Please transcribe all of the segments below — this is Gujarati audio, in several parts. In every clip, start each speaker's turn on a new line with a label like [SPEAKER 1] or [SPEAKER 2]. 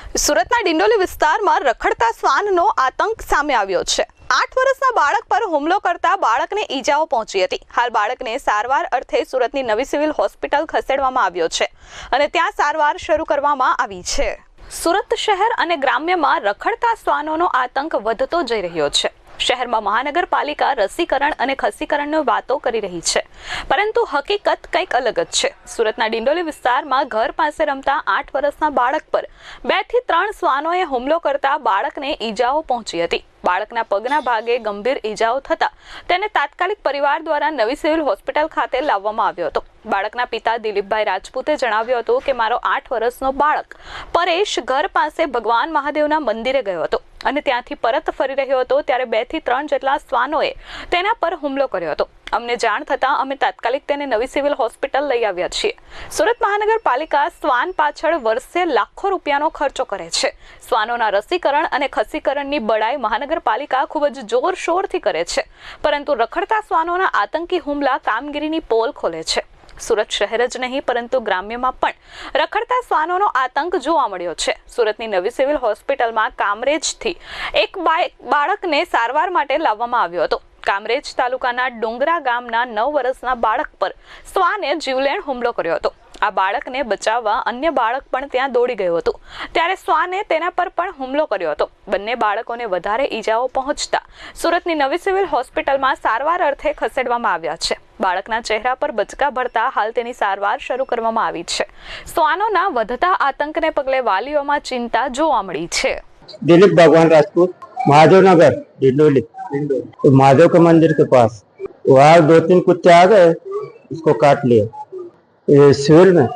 [SPEAKER 1] સુરતના ડિંડોલી વિસ્તારમાં રખડતા શ્વાનનો આતંક સામે આવ્યો છે। 8 વર્ષના બાળક પર હુમલો કરતા બાળકને ઈજાઓ પહોંચી હતી। હાલ બાળકને સારવાર અર્થે સુરતની નવી સિવિલ હોસ્પિટલ ખસેડવામાં આવ્યો છે અને ત્યાં સારવાર શરૂ કરવામાં આવી છે। સુરત શહેર અને ગ્રામ્યમાં રખડતા શ્વાનોનો આતંક વધતો જઈ રહ્યો છે। શહેરમાં મહાનગરપાલિકા રસીકરણ અને ખસીકરણની વાતો કરી રહી છે, પરંતુ હકીકત કંઈક અલગ જ છે। સુરતના ડિંડોલી વિસ્તારમાં ઘર પાસે રમતા 8 વર્ષના બાળક પર 2 થી 3 શ્વાનોએ હુમલો કરતા બાળકને ઈજાઓ પહોંચી હતી। બાળકના પગના ભાગે ગંભીર ઈજાઓ થતા તેને તાત્કાલિક પરિવાર દ્વારા નવી સિવિલ હોસ્પિટલ ખાતે લાવવામાં આવ્યો હતો। બાળકના પિતા દિલીપભાઈ રાજપૂતે જણાવ્યું હતું કે મારો 8 વર્ષનો બાળક પરેશ ઘર પાસે ભગવાન મહાદેવના મંદિરે ગયો હતો અને ત્યાંથી પરત ફરી રહ્યો હતો ત્યારે 2 થી 3 જેટલા શ્વાનોએ તેના પર હુમલો કર્યો હતો। અમને જાણ થતાં અમે તાત્કાલિક તેને નવી સિવિલ હોસ્પિટલ લઈ આવ્યા છીએ। સુરત મહાનગરપાલિકા શ્વાન પાછળ વર્ષે લાખો રૂપિયાનો ખર્ચો કરે છે। શ્વાનોના રસીકરણ અને ખસીકરણની બડાઈ મહાનગરપાલિકા ખૂબ જ જોરશોરથી કરે છે, પરંતુ રખડતા શ્વાનોના આતંકી હુમલા કામગીરીની પોલ ખોલે છે। સુરત શહેર જ નહીં પરંતુ ગ્રામ્યમાં પણ રખડતા શ્વાનોનો આતંક જોવા મળ્યો છે। સુરતની નવી સિવિલ હોસ્પિટલમાં કામરેજથી એક બાળકને સારવાર માટે લાવવામાં આવ્યો હતો। કામરેજ તાલુકાના ડુંગરા ગામના 9 વર્ષના બાળક પર શ્વાને જીવલેણ હુમલો કર્યો હતો। આ બાળકને બચાવવા અન્ય બાળક પણ ત્યાં દોડી ગયું હતું ત્યારે શ્વાને તેના પર પણ હુમલો કર્યો હતો। બંને બાળકોને વધારે ઈજાઓ પહોંચતા સુરતની નવી સિવિલ હોસ્પિટલમાં સારવાર અર્થે ખસેડવામાં આવ્યા છે। બાળકના ચહેરા પર બચકા ભરતા હાલ તેની સારવાર શરૂ કરવામાં આવી છે। શ્વાનોના વધતા આતંકને પગલે વાલીઓમાં ચિંતા જોવા મળી છે।
[SPEAKER 2] दिलीप भगवान राजपूत, महादेव नगर, डिंडोली। तो महादेव के मंदिर के पास वहाँ 2-3 कुत्ते आ गए, उसको काट लिया। ये सिविल में।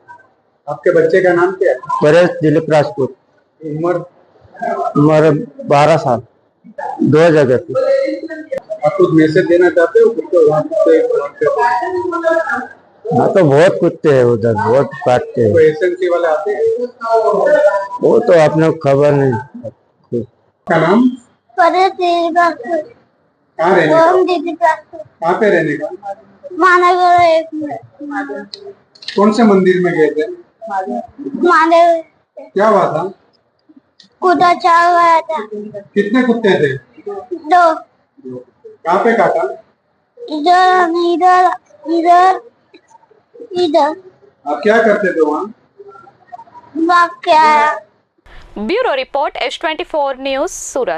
[SPEAKER 3] आपके बच्चे का नाम क्या है?
[SPEAKER 2] परेश दिलीप राजपूत।
[SPEAKER 3] उम्र?
[SPEAKER 2] उम्र 12 साल। 2 जगह थी।
[SPEAKER 3] आप कुछ मैसेज देना चाहते हो? कुत्ते वहाँ
[SPEAKER 2] हाँ तो बहुत कुत्ते हैं उधर, बहुत काटते हैं।
[SPEAKER 3] एसएनसी वाले आते हैं?
[SPEAKER 2] वो तो आपने खबर नहीं।
[SPEAKER 3] क्या नाम?
[SPEAKER 4] परेश दिलीप राजपूत।
[SPEAKER 3] कहाँ रहने का?
[SPEAKER 4] ओम दिलीप राजपूत।
[SPEAKER 3] कहाँ पे रहने का?
[SPEAKER 4] महानगर 1 में।
[SPEAKER 3] कौन से मंदिर में गए थे?
[SPEAKER 4] महादेव।
[SPEAKER 3] क्या हुआ था?
[SPEAKER 4] कुत्ता चाल गया था।
[SPEAKER 3] कितने कुत्ते थे?
[SPEAKER 4] 2।
[SPEAKER 3] कहाँ पे काटा?
[SPEAKER 4] इधर इधर इधर इधर।
[SPEAKER 3] आप क्या करते थे वहाँ?
[SPEAKER 4] भाग के आया।
[SPEAKER 1] Bureau report S24 news Surat.